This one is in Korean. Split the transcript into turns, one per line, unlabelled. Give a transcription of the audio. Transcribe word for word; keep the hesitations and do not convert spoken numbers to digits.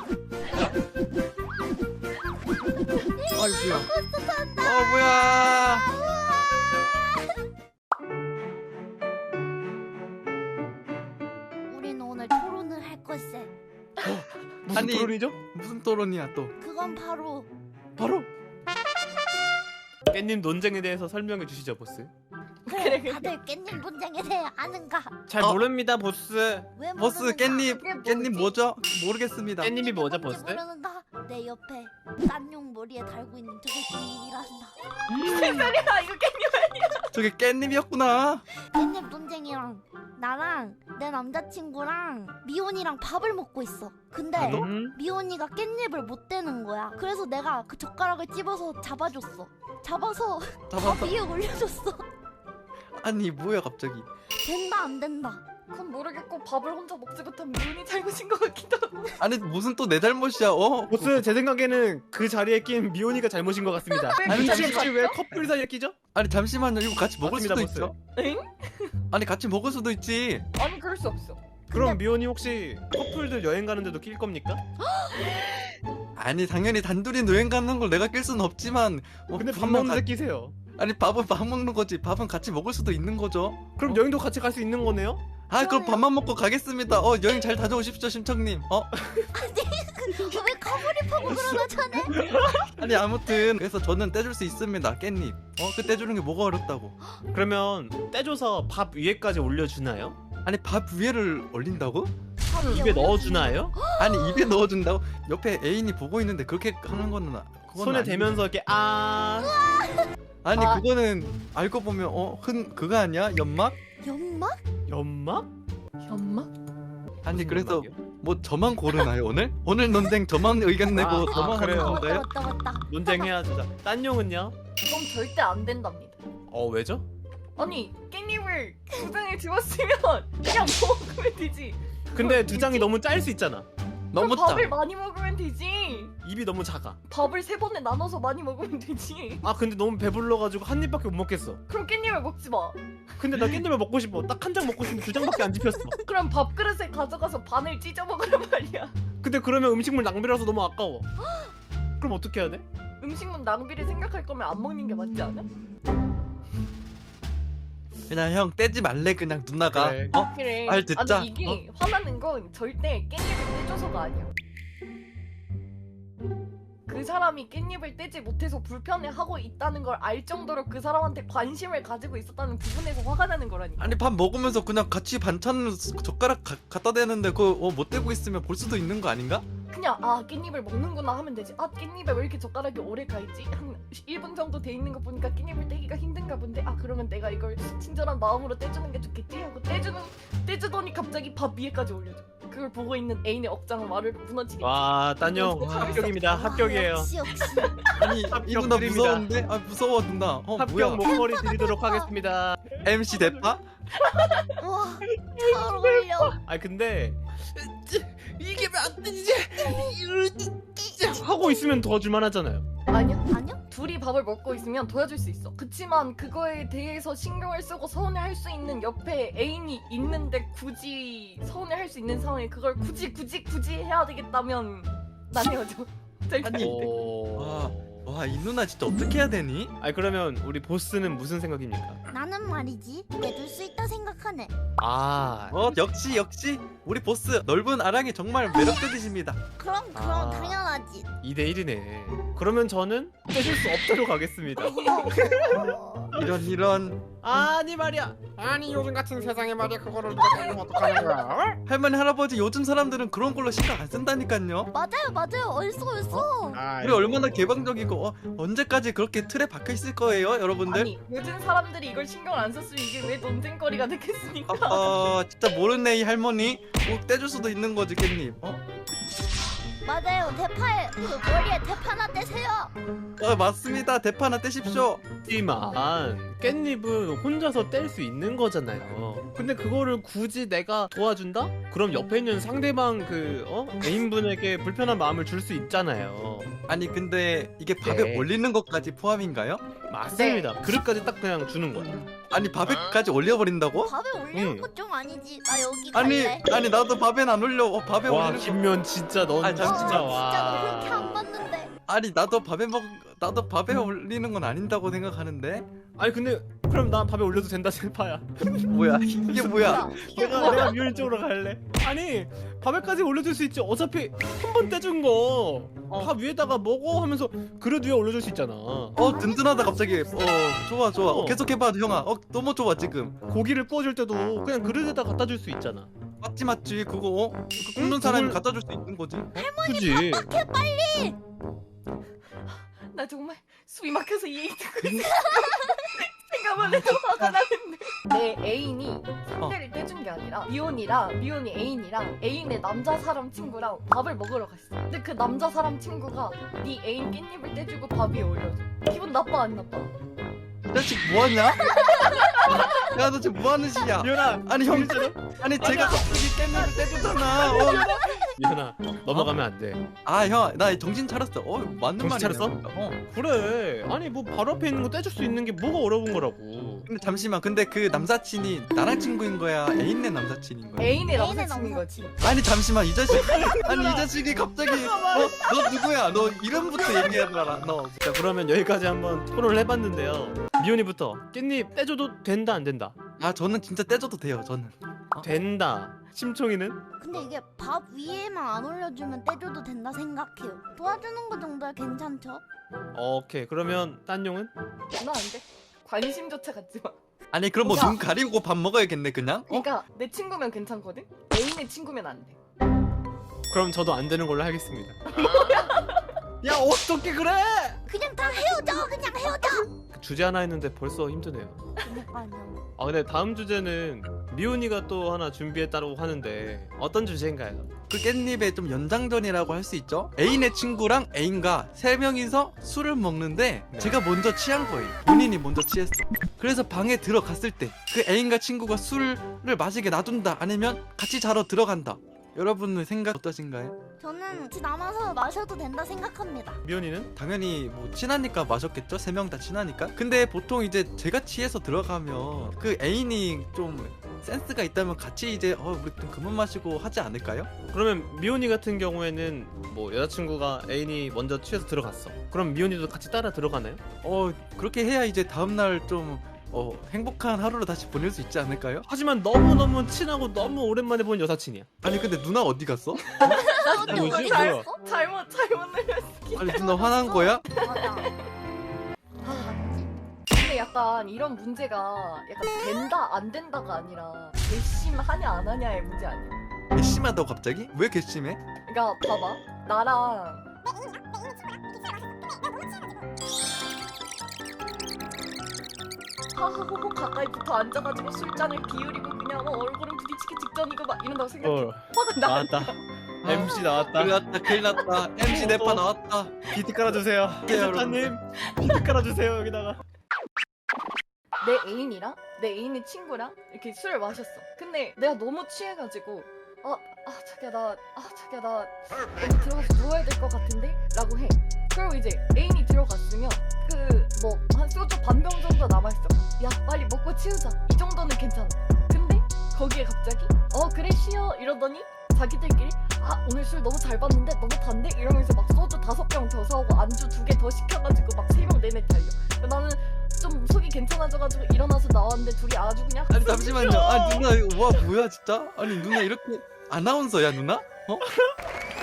아이고야. 어 뭐야.
우린 오늘 토론을 할 걸세.
무슨
아니,
토론이죠?
무슨 토론이야 또?
그건 바로
바로 깻님 논쟁에 대해서 설명해 주시죠, 보스.
그래 다들 깻잎 논쟁에 대해 아는가?
잘
어?
모릅니다, 보스.
왜
보스
모르는가?
깻잎
그게
깻잎
뭐지?
뭐죠? 모르겠습니다.
깻잎이 뭐죠,
뭔지
보스?
모르는가? 내 옆에 딴용 머리에 달고 있는 저게 깻잎이란다.
무슨 소리야? 이거 깻잎.
저게 깻잎이었구나.
깻잎 논쟁이랑 나랑 내 남자친구랑 미혼이랑 밥을 먹고 있어. 근데
음?
미혼이가 깻잎을 못 대는 거야. 그래서 내가 그 젓가락을 집어서 잡아줬어. 잡아서 밥
잡았다.
위에 올려줬어.
아니 뭐야 갑자기.
된다 안 된다.
그건 모르겠고 밥을 혼자 먹지 못한 미운이 잘못인 것 같기도 하고.
아니 무슨 또 내 잘못이야? 어?
보스, 제 생각에는 그 자리에 낀 미온이가 잘못인 것 같습니다.
왜
아니,
그렇게
혹시 왜
봤죠?
커플 사이에 끼죠?
아니 잠시만요. 이거 같이 먹을
맞습니다,
수도
보스.
있죠?
엥?
아니 같이 먹을 수도 있지.
아니 그럴 수 없어.
그럼 미온이 혹시 커플들 여행 가는데도 낄 겁니까?
아니 당연히 단둘이 여행 가는 걸 내가 낄 수는 없지만. 뭐
근데 밥
분명
먹는데
가-
끼세요.
아니 밥은 밥 먹는 거지. 밥은 같이 먹을 수도 있는 거죠.
그럼
어?
여행도 같이 갈 수 있는 거네요?
아 그럼
그러네요.
밥만 먹고 가겠습니다. 어 여행 잘 다녀오십시오 심청님. 어?
왜 가버리파고 그러나 자네?
아니 아무튼 그래서 저는 떼줄 수 있습니다 깻잎. 어? 그 떼주는 게 뭐가 어렵다고.
그러면 떼줘서 밥 위에까지 올려주나요?
아니 밥 위에를 올린다고?
입에 넣어주나요?
아니 입에 넣어준다고? 옆에 애인이 보고 있는데 그렇게 하는 거는 아- 그건
손에
아니-
대면서 이렇게 아
아니
아.
그거는 알고 보면 어? 흔 그거 아니야? 연막?
연막?
연막?
엄마?
아니
무슨
그래서
연막이요?
뭐 저만 고르나요 오늘? 오늘 논쟁 저만 의견 내고
아,
저만
아,
하는
그래요?
맞다
건가요?
맞다 맞다.
논쟁해야죠. 자, 딴 용은요?
그건 절대 안 된답니다.
어 왜죠?
아니 깻잎을 두 장을 집었으면 그냥 먹으면 되지.
근데 두 장이 너무 짤 수 있잖아.
너무
그럼
짜.
밥을 많이 먹으면 되지.
입이 너무 작아.
밥을 세 번에 나눠서 많이 먹으면 되지.
아 근데 너무 배불러가지고 한 입밖에 못 먹겠어.
그럼 깻잎을 먹지 마.
근데 나 깻잎을 먹고 싶어. 딱 한 장 먹고 싶은데 두 장밖에 안 집혔어.
그럼 밥그릇에 가져가서 반을 찢어 먹으란 말이야.
근데 그러면 음식물 낭비라서 너무 아까워. 그럼 어떻게 해야 돼?
음식물 낭비를 생각할 거면 안 먹는 게 맞지 않아?
그냥 형 떼지 말래 그냥 누나가.
그래.
어?
그래.
말 듣자.
아니 이게 화나는 건 절대 깻잎을 떼줘서가 아니야. 그 사람이 깻잎을 떼지 못해서 불편해하고 있다는 걸 알 정도로 그 사람한테 관심을 가지고 있었다는 부분에서 화가 나는 거라니까.
아니 밥 먹으면서 그냥 같이 반찬 젓가락 가, 갖다 대는데 그거 어, 못 대고 있으면 볼 수도 있는 거 아닌가?
그냥 아 깻잎을 먹는구나 하면 되지. 아 깻잎에 왜 이렇게 젓가락이 오래 가있지? 한 일 분 정도 돼 있는 거 보니까 깻잎을 떼기가 힘든가 본데 아 그러면 내가 이걸 친절한 마음으로 떼주는 게 좋겠지 하고 떼주는 떼주더니 갑자기 밥 위에까지 올려줘. 그걸 보고 있는 애인의 억장은 말을 무너지겠지.
와, 딴용 합격입니다.
와,
합격이에요.
역시 역시.
아니 이
합격
누나
드립니다.
무서운데? 아 무서워 누나. 어
합격
뭐야?
목걸이 드리도록 하겠습니다.
엠씨 대파?
와, 잘 어울려.
아 근데 이게 왜 안 되지? 하고 있으면 도와줄만 하잖아요.
아니야.
아니요?
둘이 밥을 먹고 있으면 도와줄 수 있어. 그치만 그거에 대해서 신경을 쓰고 서운해할 수 있는 옆에 애인이 있는데 굳이 서운해할 수 있는 상황에 그걸 굳이 굳이 굳이 해야 되겠다면 난 헤어져. 절대 안 돼.
오.
와 이 누나 진짜 어떻게 해야 되니?
아니 그러면 우리 보스는 무슨 생각입니까?
나는 말이지 내줄 수 있다 생각하네.
아,
어 역시 역시 우리 보스 넓은 아랑이 정말 매력적이십니다.
그럼 그럼
아.
당연하지.
이 대 일이네. 그러면 저는 떼줄 수 없도록 하겠습니다.
어,
이런 이런.
아니 말이야.
아니 요즘 같은 세상에 말이야 그거를 누가 때리면 어떡하는 거야? 어?
할머니 할아버지 요즘 사람들은 그런 걸로 신경 안 쓴다니까요.
맞아요 맞아요 얼쏘 얼쏘.
아,
우리 얼마나 개방적이고 어, 언제까지 그렇게 틀에 박혀 있을 거예요 여러분들?
아니 요즘 사람들이 이걸 신경을 안 썼으면 이게 왜 논쟁거리가 되겠습니까?
아 진짜 모르네 이 할머니. 꼭 떼줄 수도 있는 거지 깻잎. 어?
맞아요 대파에 그 머리에 대파 하나 떼세요.
어 맞습니다. 대파 하나 떼십시오.
하지만 깻잎은 혼자서 뗄 수 있는 거잖아요. 근데 그거를 굳이 내가 도와준다? 그럼 옆에 있는 상대방 그 어? 애인분에게 불편한 마음을 줄 수 있잖아요.
아니 근데 이게 밥에
네.
올리는 것까지 포함인가요?
맞습니다. 그릇까지 딱 그냥 주는 거야.
아니 밥에까지 올려버린다고?
밥에 올리는
응.
거 좀 아니지. 나 여기
아니
갈래.
아니 나도 밥엔 안 올려. 어, 밥에
와
올리는 거.
김면 진짜 넌
아니,
진짜
잠시만.
와.
진짜 너 그렇게 안 봤는데.
아니 나도 밥에 먹 나도 밥에 올리는 건 아닌다고 생각하는데.
아니 근데 그럼 나 밥에 올려도 된다 셀파야.
뭐야 이게 뭐야?
이게
내가
뭐야?
내가 미연 쪽으로 갈래. 아니 밥에까지 올려줄 수 있지. 어차피 한 번 떼준 거 밥 위에다가 먹어 하면서 그릇 위에 올려줄 수 있잖아.
어 든든하다 갑자기. 어 좋아 좋아. 어,
어.
계속해봐 형아. 어 너무 좋아 지금.
고기를 구워줄 때도 그냥 그릇에다 갖다 줄 수 있잖아.
맞지 맞지 그거. 어? 그 굽는
응,
사람이
그걸-
갖다 줄 수 있는 거지.
그지?
나 정말 숨이 막혀서 이 얘기 듣고 있어. 생각만 해도 화가 나는데. 내 애인이 상대를 떼준 게 아니라 미혼이랑 미혼이 애인이랑 애인의 남자 사람 친구랑 밥을 먹으러 갔어. 근데 그 남자 사람 친구가 네 애인 깻잎을 떼주고 밥 위에 올려줘. 기분 나빠 안 나빠?
이 자식 뭐하냐? 야 너 지금 뭐하는 짓이야?
미연아,
아니 형 아니 제가 갑자기 깻잎을 떼주잖아. 어.
미연아 넘어가면 안 돼.
아 형 나 정신 차렸어. 어 맞는
정신
말이야.
차렸어?
어.
그래. 아니 뭐 바로 앞에 있는 거 떼줄 수 있는 게 뭐가 어려운 거라고.
근데 잠시만 근데 그 남사친이 나랑 친구인 거야? 애인네 남사친인 거야?
애인의
애인의
남사친인 거지.
남사친.
아니 잠시만 이 자식 아니 이 자식이 갑자기 어? 너 누구야? 너 이름부터 얘기해봐라 너.
자 그러면 여기까지 한번 토론을 해봤는데요. 미연이부터 깻잎 떼줘도 된다 안 된다?
아 저는 진짜 떼줘도 돼요 저는.
된다. 심청이는?
근데 이게 밥 위에만 안 올려주면 떼줘도 된다 생각해요. 도와주는 거 정도야 괜찮죠?
오케이. 그러면 딴용은?
나 안 돼. 관심조차 갖지 마.
아니 그럼 뭐
야.
눈 가리고 밥 먹어야겠네 그냥? 어?
그러니까 내 친구면 괜찮거든. 애인의 친구면 안 돼.
그럼 저도 안 되는 걸로 하겠습니다. 야 어떻게 그래?
그냥 다 헤어져. 그냥 헤어져.
주제 하나 했는데 벌써 힘드네요.
그러니까요.
아 근데 다음 주제는 미온이가 또 하나 준비했다고 하는데 어떤 주제인가요?
그 깻잎의 좀 연장전이라고 할 수 있죠? 애인의 친구랑 애인과 세 명이서 술을 먹는데
네.
제가 먼저 취한 거예요. 본인이 먼저 취했어. 그래서 방에 들어갔을 때 그 애인과 친구가 술을 마시게 놔둔다 아니면 같이 자러 들어간다. 여러분의 생각 어떠신가요?
저는 같이 남아서 마셔도 된다 생각합니다.
미온이는?
당연히 뭐 친하니까 마셨겠죠? 세 명 다 친하니까. 근데 보통 이제 제가 취해서 들어가면 그 애인이 좀 센스가 있다면 같이 이제 어 우리 좀 그만 마시고 하지 않을까요?
그러면 미온이 같은 경우에는 뭐 여자친구가 애인이 먼저 취해서 들어갔어. 그럼 미온이도 같이 따라 들어가나요?
어 그렇게 해야 이제 다음날 좀 어, 행복한 하루를 다시 보낼 수 있지 않을까요?
하지만 너무너무 친하고 너무 오랜만에 본 여사친이야.
아니 근데 누나 어디 갔어?
언니
뭐지?
어디
뭐야?
갔어?
잘못 잘못 눌렸어.
아니 누나 화난 거야?
맞아. 아 맞지?
근데 약간 이런 문제가 약간 된다 안 된다가 아니라 괘씸하냐 안 하냐의 문제 아니야.
괘씸하다고 갑자기? 왜 괘씸해?
그러니까 봐봐 나랑 하하호호 가까이 붙어 앉아가지고 술잔을 기울이고 그냥 뭐 얼굴은 부딪히기 직전이고 막 이런다고 생각해.
어
화가 나.
나왔다. 엠씨 나왔다.
큰일 났다 큰일 났다. 엠씨 네파 나왔다.
비트 깔아주세요.
네,
작가님 비트 깔아주세요 여기다가.
내 애인이랑 내 애인의 친구랑 이렇게 술을 마셨어. 근데 내가 너무 취해가지고 아, 아 자기야 나, 아 자기야 나 여기 들어가서 누워야 될 것 같은데? 라고 해. 그리고 이제 애인이 들어갔으면 그 뭐 한 소주 반 병 정도 남아있어. 야 빨리 먹고 치우자. 이 정도는 괜찮아. 근데 거기에 갑자기 어 그래 쉬어 이러더니 자기들끼리 아 오늘 술 너무 잘 봤는데 너무 단데? 이러면서 막 소주 다섯 병 더 사오고 안주 두 개 더 시켜가지고 막 세 명 내내 달려. 나는 좀 속이 괜찮아져가지고 일어나서 나왔는데 둘이 아주 그냥
아니 잠시만요. 아 누나 이거 와 뭐야 진짜? 아니 누나 이렇게 아나운서야 누나? 어?